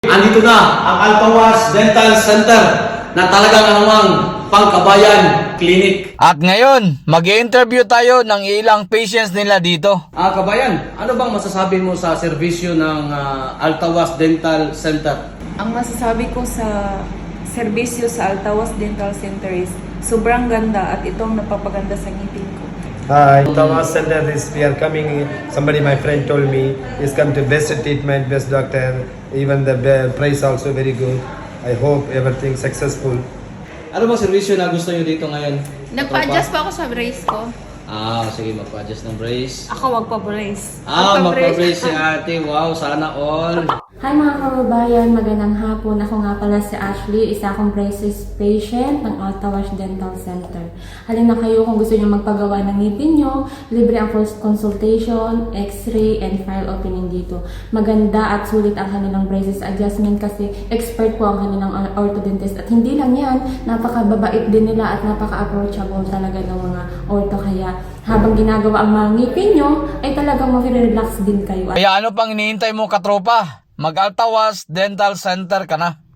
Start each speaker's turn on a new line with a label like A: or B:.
A: Andito na ang Altawas Dental Center na talagang namang pangkabayan clinic.
B: At ngayon, mag-i-interview tayo ng ilang patients nila dito.
A: Kabayan, ano bang masasabi mo sa serbisyo ng Altawas Dental Center?
C: Ang masasabi ko sa serbisyo sa Altawas Dental Center is sobrang ganda at itong napapaganda sa ngipin ko.
D: Hi, Thomas Center is we are coming. Somebody, my friend told me, is come to best treatment, best doctor. Even the price also very good. I hope everything successful.
A: Ano bang serbisyo na gusto nyo dito ngayon?
E: Nagpa-adjust pa ako sa brace ko.
A: Sige, magpa-adjust ng brace.
E: Ako magpa-brace.
A: Magpa-brace si ate. Wow, sana all.
F: Hi mga kababayan, magandang hapon. Ako nga pala si Ashley, isa akong braces patient ng Altawas Dental Center. Halina kayo kung gusto niyo magpagawa ng ngipin nyo, libre ang first consultation, x-ray, and file opening dito. Maganda at sulit ang kanilang braces adjustment kasi expert po ang kanilang orthodontist. At hindi lang yan, napakababait din nila at napaka-approachable talaga ng mga ortho. Kaya habang ginagawa ang mga ngipin nyo, ay talagang mag-relax din kayo.
B: Kaya ano pang iniintay mo katropa? Mag-Altawas Dental Center ka na.